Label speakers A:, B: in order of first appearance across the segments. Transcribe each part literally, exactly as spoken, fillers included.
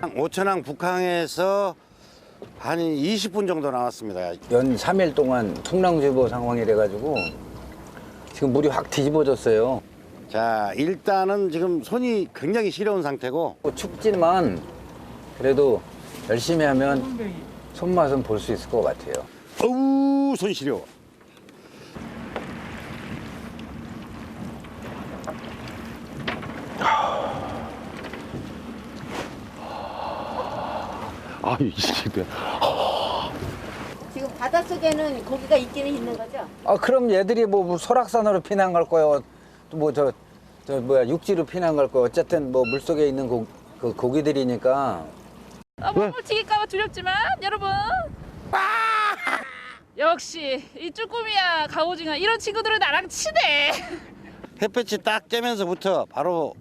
A: 오천항 북항에서 한 이십 분 정도 나왔습니다.
B: 연 삼 일 동안 풍랑주의보 상황이 돼가지고 지금 물이 확 뒤집어졌어요.
A: 자, 일단은 지금 손이 굉장히 시려운 상태고
B: 춥지만 그래도 열심히 하면 손맛은 볼 수 있을 것 같아요.
A: 어우, 손 시려워.
C: 아, 이 집에.
D: 지금 바닷속에는 고기가 있기는 있는 거죠?
B: 아 그럼 얘들이 뭐 설악산으로 피난 갈 거예요. 또 뭐 저 저 뭐야 육지로 피난 갈 거예요. 어쨌든 뭐 물속에 있는 고, 그 고기들이니까.
E: 아, 몸을 튀길까봐 두렵지만 여러분 역시 이 쭈꾸미야 갑오징어 이런 친구들은 나랑 친해.
A: 햇볕이 딱 쬐면서부터 바로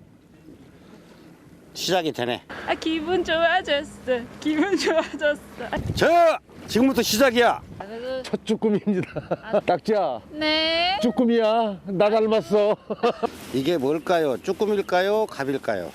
A: 시작이 되네.
E: 아 기분 좋아졌어 기분 좋아졌어.
A: 자, 지금부터 시작이야.
C: 첫 쭈꾸미입니다. 딱지야,
E: 네.
C: 쭈꾸미야. 나 닮았어.
A: 이게 뭘까요? 쭈꾸미일까요? 갑일까요?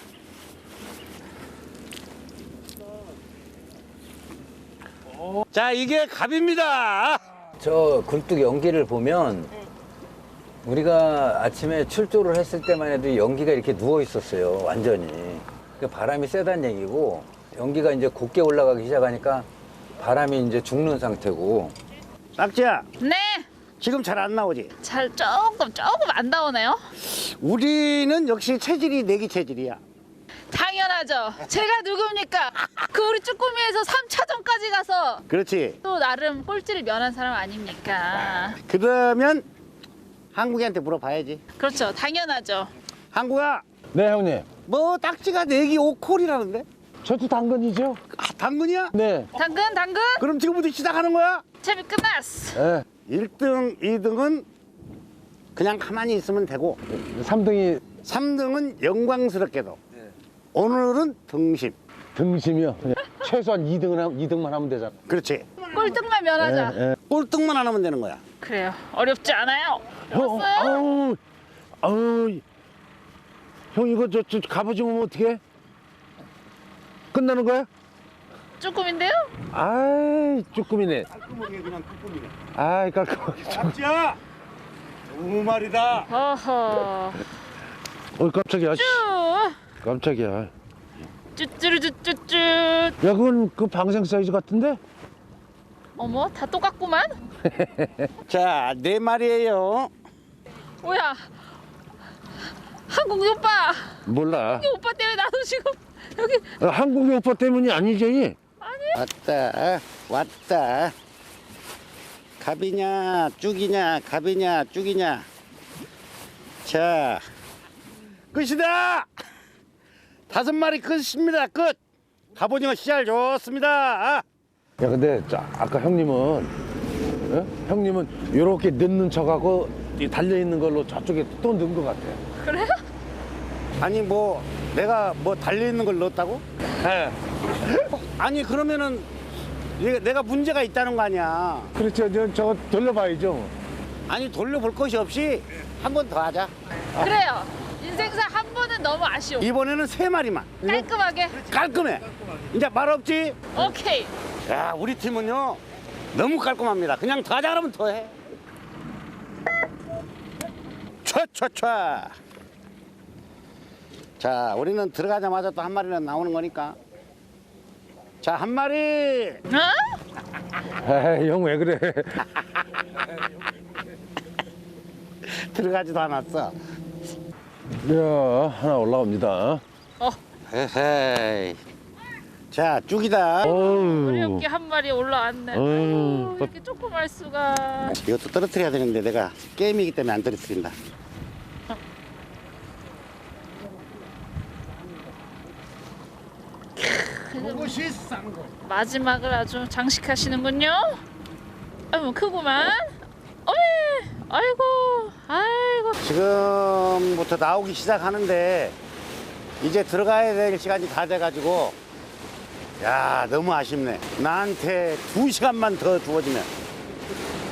A: 자, 이게 갑입니다.
B: 저 굴뚝 연기를 보면 우리가 아침에 출조를 했을 때만 해도 연기가 이렇게 누워 있었어요. 완전히. 그 바람이 세다는 얘기고 연기가 이제 곱게 올라가기 시작하니까 바람이 이제 죽는 상태고.
A: 딱지야,
E: 네.
A: 지금 잘 안 나오지?
E: 잘 조금 조금 안 나오네요.
A: 우리는 역시 체질이 내기 체질이야.
E: 당연하죠. 제가 누굽니까? 그 우리 쭈꾸미에서 삼 차전까지 가서
A: 그렇지.
E: 또 나름 꼴찌를 면한 사람 아닙니까?
A: 그러면 한국이한테 물어봐야지.
E: 그렇죠. 당연하죠.
A: 한국아,
C: 네, 형님.
A: 뭐 딱지가 내기 오 콜이라는데?
C: 저도 당근이죠?
A: 아, 당근이야?
C: 네.
E: 당근 당근
A: 그럼 지금부터 시작하는 거야?
E: 재미 끝났어.
C: 네.
A: 일 등, 이 등은 그냥 가만히 있으면 되고
C: 삼 등이
A: 삼 등은 영광스럽게도 오늘은 등심.
C: 등심이요. 그냥 최소한 이 등은, 하- 이 등만 하면 되잖아.
A: 그렇지.
E: 꼴등만 면하자.
C: 예, 예.
A: 꼴등만 안 하면 되는 거야.
E: 그래요. 어렵지 않아요.
C: 형,
E: 어요
C: 아우, 아우. 형, 이거 저, 저 갑오징어 어떻게? 끝나는 거야?
E: 쭈꾸미인데요?
C: 아이, 쭈꾸미네.
A: 깔끔하게 그냥 쭈꾸미네.
C: 아이, 깔끔하게.
A: 딱지야! 두 마리다.
E: 어허.
C: 어, 깜짝이야. 씨.
E: 쭈.
C: 깜짝이야. 야,
E: 쭈쭈쭈쭈쭈.
C: 그건 그 방생 사이즈 같은데?
E: 어머, 다 똑같구만.
A: 자, 네 마리예요.
E: 뭐야? 한국이 오빠.
C: 몰라.
E: 이 오빠 때문에 나도 지금 여기
C: 어, 한국의 오빠 때문이 아니지.
A: 왔다, 왔다. 갑이냐, 쭉이냐, 갑이냐, 쭉이냐. 자, 끝이다! 다섯 마리 끝입니다, 끝! 갑오징어 씨알 좋습니다.
C: 야, 근데 저, 아까 형님은, 어? 형님은 이렇게 넣는 척하고 이 달려있는 걸로 저쪽에 또 넣은 것 같아.
E: 그래요?
A: 아니, 뭐, 내가 뭐 달려있는 걸 넣었다고?
C: 예.
A: 아니, 그러면은 얘가- 내가 문제가 있다는 거 아니야.
C: 그렇죠. 저, 저거 돌려봐야죠.
A: 아니, 돌려볼 것이 없이 한 번 더 하자.
E: 그래요. 인생사 한 번은 너무 아쉬워.
A: 이번에는 세 마리만.
E: 깔끔하게.
A: 깔끔해. 이제 말 없지?
E: 오케이.
A: 야, 우리 팀은요 너무 깔끔합니다. 그냥 더 하자 그러면 더 해. 촤촤촤. 자, 우리는 들어가자마자 또 한 마리는 나오는 거니까. 자, 한 마리.
E: 어?
C: 에이, 형 왜 그래.
A: 들어가지도 않았어.
C: 야, 하나 올라옵니다.
E: 어.
A: 헤헤이. 자, 쭉이다.
C: 어우.
E: 어렵게 한 마리 올라왔네.
C: 어휴.
E: 아유, 이렇게 조그말 수가.
A: 이것도 떨어뜨려야 되는데 내가 게임이기 때문에 안 떨어뜨린다. 그것이 싼 거.
E: 마지막을 아주 장식하시는군요. 아유, 크구만. 어이, 아이고, 아이고.
A: 지금부터 나오기 시작하는데 이제 들어가야 될 시간이 다 돼가지고 야, 너무 아쉽네. 나한테 두 시간만 더 주어지면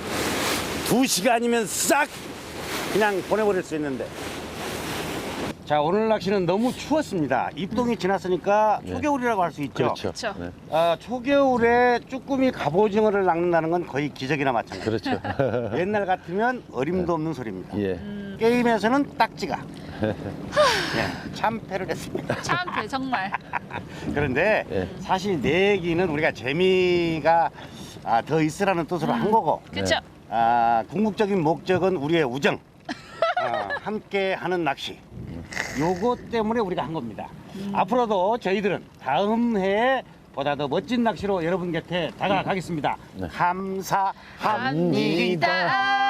A: 두 시간이면 싹 그냥 보내버릴 수 있는데. 자, 오늘 낚시는 너무 추웠습니다. 입동이 지났으니까 초겨울이라고 할 수 있죠.
C: 그렇죠.
E: 그렇죠.
C: 네.
A: 아, 초겨울에 쭈꾸미 갑오징어를 낚는다는 건 거의 기적이나 마찬가지.
C: 그렇죠.
A: 옛날 같으면 어림도 없는 소리입니다.
C: 예.
A: 게임에서는 딱지가 예, 참패를 했습니다.
E: 참패 정말.
A: 그런데
C: 예.
A: 사실 내 얘기는 우리가 재미가 아, 더 있으라는 뜻으로 한 거고
E: 그렇죠.
A: 아, 궁극적인 목적은 우리의 우정, 아, 함께 하는 낚시. 요거 때문에 우리가 한 겁니다. 앞으로도 저희들은 다음 해에 보다 더 멋진 낚시로 여러분 곁에 다가가겠습니다. 감사합니다.
E: 합니다.